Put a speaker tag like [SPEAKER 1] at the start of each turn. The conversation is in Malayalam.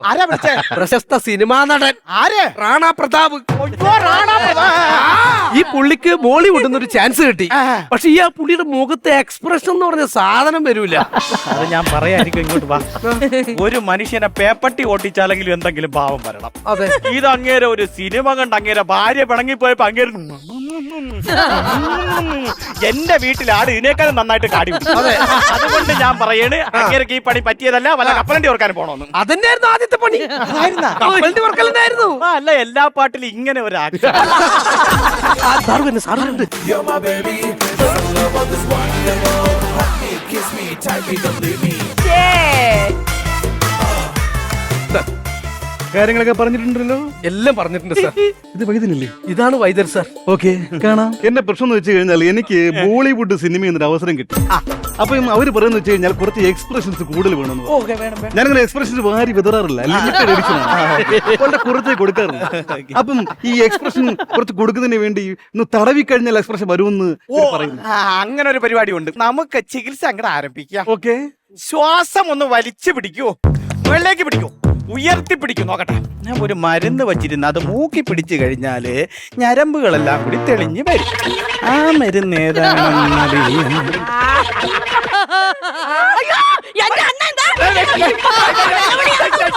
[SPEAKER 1] ആരാ വിളിച്ചേ?
[SPEAKER 2] പ്രശസ്ത സിനിമാ നടൻ
[SPEAKER 1] ആര്?
[SPEAKER 2] റാണ പ്രതാപ്.
[SPEAKER 1] അയ്യോ, റാണാ പ്രതാപ്.
[SPEAKER 2] ഈ പുള്ളിക്ക് ബോളിവുഡിൽ നിന്ന് ഒരു ചാൻസ് കിട്ടി. പക്ഷെ ഈ ആ പുള്ളിയുടെ മുഖത്തെ എക്സ്പ്രഷൻ എന്ന് പറഞ്ഞ സാധനം വരൂല.
[SPEAKER 3] അത് ഞാൻ പറയായിരിക്കും. ഇങ്ങോട്ട് വാ. ഒരു മനുഷ്യനെ പേപ്പട്ടി ഓട്ടിച്ചാലെങ്കിലും എന്തെങ്കിലും ഭാവം വരണം.
[SPEAKER 2] അതെ,
[SPEAKER 3] ഇത് അങ്ങേരെ ഒരു സിനിമ കണ്ട് അങ്ങേരെ ഭാര്യ പിണങ്ങിപ്പോയപ്പോ അങ്ങേര് എന്റെ വീട്ടിൽ ആട് ഇതിനേക്കാളും നന്നായിട്ട് കാടി പിടിച്ചു. അതുകൊണ്ട് ഞാൻ പറയണ് അങ്ങേരക്ക് ഈ പണി പറ്റിയതല്ല, വല്ല കപ്പലണ്ടി ഓർക്കാൻ പോണോന്ന്.
[SPEAKER 2] അതന്നെയായിരുന്നു ആദ്യത്തെ പണി. കപ്പലിന്റെ വർക്കലുണ്ടായിരുന്നു.
[SPEAKER 3] അല്ല, എല്ലാ പാട്ടിലും ഇങ്ങനെ ഒരു ആക്ഷൻ.
[SPEAKER 4] കാര്യങ്ങളൊക്കെ പറഞ്ഞിട്ടുണ്ടല്ലോ.
[SPEAKER 2] എല്ലാം പറഞ്ഞിട്ടുണ്ട് സാർ.
[SPEAKER 4] ഇത് വൈദ്യനല്ലേ?
[SPEAKER 2] ഇതാണ് വൈദ്യർ സാർ.
[SPEAKER 4] ഓക്കെ, കാണാം. എന്റെ പ്രശ്നം എന്ന് വെച്ച് കഴിഞ്ഞാൽ എനിക്ക് ബോളിവുഡ് സിനിമയിൽ ഒരു അവസരം കിട്ടി. അപ്പം അവര് പറയുന്നത് വെച്ച് കഴിഞ്ഞാൽ കുറച്ച് എക്സ്പ്രഷൻസ് കൂടുതൽ വേണമെന്ന്. ഞാനിങ്ങനെ എക്സ്പ്രഷൻസ് വാരി വിതറാറില്ല, ലിമിറ്റഡ് എഡിഷൻ ആണ്, വളരെ കുറച്ചേ കൊടുക്കാറുള്ളൂ. അപ്പം ഈ എക്സ്പ്രഷൻ കുറച്ച് കൊടുക്കുന്നതിന് വേണ്ടി ഒന്ന് തടവി കഴിഞ്ഞാൽ എക്സ്പ്രഷൻ വരുമെന്ന് പറയുന്നു.
[SPEAKER 3] അങ്ങനെ ഒരു പരിപാടി ഉണ്ട്. നമുക്ക് ചികിത്സ അങ്ങോട്ട് ആരംഭിക്കാം.
[SPEAKER 4] ഓക്കെ,
[SPEAKER 3] ശ്വാസം ഒന്ന് വലിച്ചു പിടിക്കൂ, മുകളിലേക്ക് പിടിക്കൂ, ഉയർത്തി പിടിക്കൂ. നോക്കട്ടെ, ഞാൻ ഒരു മരുന്ന് വച്ചിരുന്നു, അത് മൂക്കി പിടിച്ചു കഴിഞ്ഞാല് ഞരമ്പുകളെല്ലാം കൂടി തെളിഞ്ഞു വരും. ആ മരുന്ന് ഏതാണെന്നറിയാം.